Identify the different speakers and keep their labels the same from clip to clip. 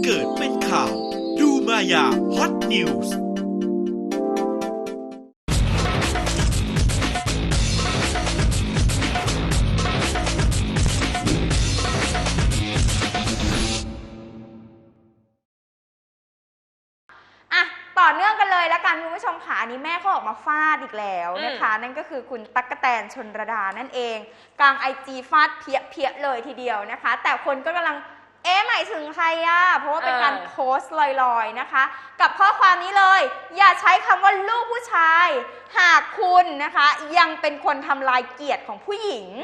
Speaker 1: เกิดเป็นข่าวดูมายาฮอตนิวส์
Speaker 2: ต่อเนื่องกันเลยแล้วกันคุณผู้ชมค่ะอันนี้แม่เขาออกมาฟาดอีกแล้วนะคะนั่นก็คือคุณตั๊กแตนชลระดานั่นเองกลาง IG ฟาดเพี้ยเลยทีเดียวนะคะแต่คนก็กำลังหมายถึงใครอ่ะเพราะว่าเป็นการโพสต์ลอยๆนะคะกับข้อความนี้เลยอย่าใช้คำว่าลูกผู้ชายหากคุณนะคะยังเป็นคนทำลายเกียรติของผู้หญิง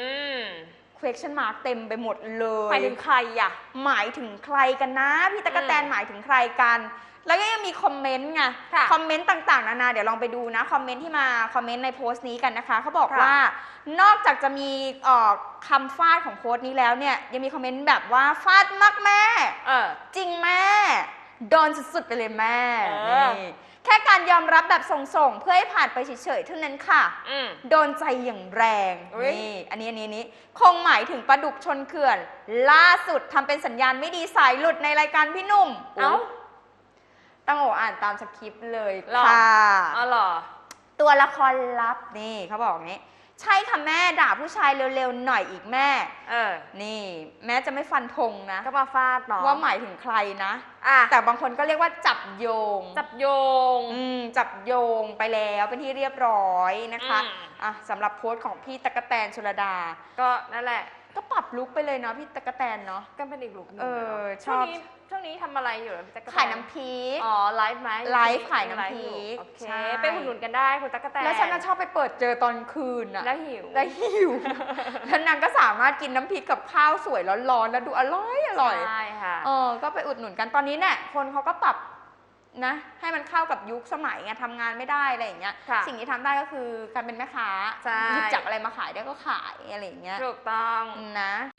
Speaker 2: question mark เต็มไปหมดเลย
Speaker 3: หมายถึงใครอ่ะ
Speaker 2: หมายถึงใครกันนะพี่ตั๊กแตนหมายถึงใครกันแล้วก็ยังมีคอมเมนต์ไงคอมเมนต์ต่างๆนานาเดี๋ยวลองไปดูนะคอมเมนต์ที่มาคอมเมนต์ในโพสต์นี้กันนะคะเขาบอกว่านอกจากจะมีคำฟาดของโพสต์นี้แล้วเนี่ยยังมีคอมเมนต์แบบว่าฟาดมากแม่จริงแม่โดนสุดๆไปเลยแม่นี่แค่การยอมรับแบบส่งๆเพื่อให้ผ่านไปเฉยๆเท่านั้นค่ะโดนใจอย่างแรงนี่อันนี้คงหมายถึงปลาดุกชนเขื่อนล่าสุดทำเป็นสัญญาณไม่ดีสายหลุดในรายการพี่หนุ่มต้องอ่านตามสคริปต์เลยค่ะ
Speaker 3: เหรอ
Speaker 2: ตัวละครลับนี่เขาบอกงี้ใช่ค่ะแม่ด่าผู้ชายเร็วๆหน่อยอีกแม่นี่แม้จะไม่ฟันธงนะ
Speaker 3: ก็มาฟาดเนาะ
Speaker 2: ว่าหมายถึงใครนะแต่บางคนก็เรียกว่าจับโยง
Speaker 3: จับโย
Speaker 2: งไปแล้วเป็นที่เรียบร้อยนะคะสำหรับโพสต์ของพี่ตั๊กแตนชลดา
Speaker 3: ก็นั่นแหละ
Speaker 2: ก็ปรับลุคไปเลยเนาะพี่ตั๊กแตนเนาะ
Speaker 3: ก็เป็นอีกลุคนึง
Speaker 2: ชอบ
Speaker 3: ช่วงนี้ทำอะไรอยู่พี่ตั๊กแตน
Speaker 2: ขายน้ำพริก
Speaker 3: ไลฟ์ไหม
Speaker 2: ไลฟ์ขายน้ำพริก
Speaker 3: โอเคไปอุดหนุนกันได้คุณตั๊กแตน
Speaker 2: แล้วฉันก็ชอบไปเปิดเจอตอนคืนอะ
Speaker 3: แล้วหิว
Speaker 2: แล้วนางก็สามารถกินน้ำพริกกับข้าวสวยร้อนๆแล้วดูอร่อย
Speaker 3: ใช่ค่ะ
Speaker 2: ก็ไปอุดหนุนกันตอนนี้เนี่ยคนเขาก็ปรับนะให้มันเข้ากับยุคสมัยไงทำงานไม่ได้อะไรอย่างเงี้ยสิ่งที่ทำได้ก็คือการเป็นแม่ค้าหยิบจับอะไรมาขายได้ก็ขายอะไรอย่างเงี้ย
Speaker 3: ถูกต้อง
Speaker 2: นะ